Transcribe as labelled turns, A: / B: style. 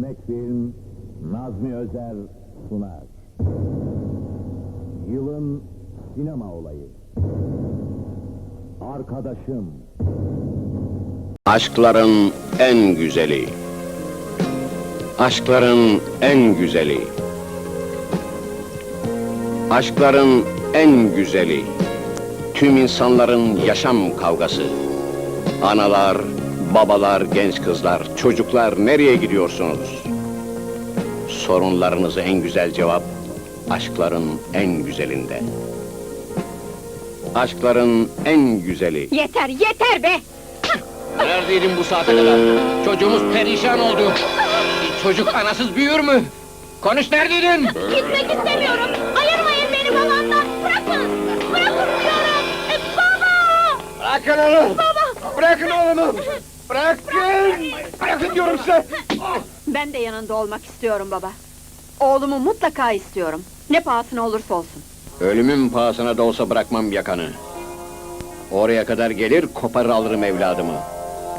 A: Örnek Film, Nazmi Özer sunar. Yılın sinema olayı. Arkadaşım.
B: Aşkların en güzeli. Aşkların en güzeli. Aşkların en güzeli. Tüm insanların yaşam kavgası. Analar, babalar, genç kızlar, çocuklar nereye gidiyorsunuz? Sorunlarınıza en güzel cevap, aşkların en güzelinde. Aşkların en güzeli.
C: Yeter, yeter be!
B: Neredeydin bu saate kadar? Çocuğumuz perişan oldu. Çocuk anasız büyür mü? Konuş, neredeydin?
C: Gitmek istemiyorum! Ayırmayın beni babamdan! Bırakın! Bırakın diyorum! Baba!
D: Bırakın onu! Bırakın oğlumu! Bırakın! Bırakın diyorum size!
C: Ben de yanında olmak istiyorum baba. Oğlumu mutlaka istiyorum. Ne pahasına olursa olsun.
B: Ölümün pahasına da olsa bırakmam yakanı. Oraya kadar gelir, koparır alırım evladımı.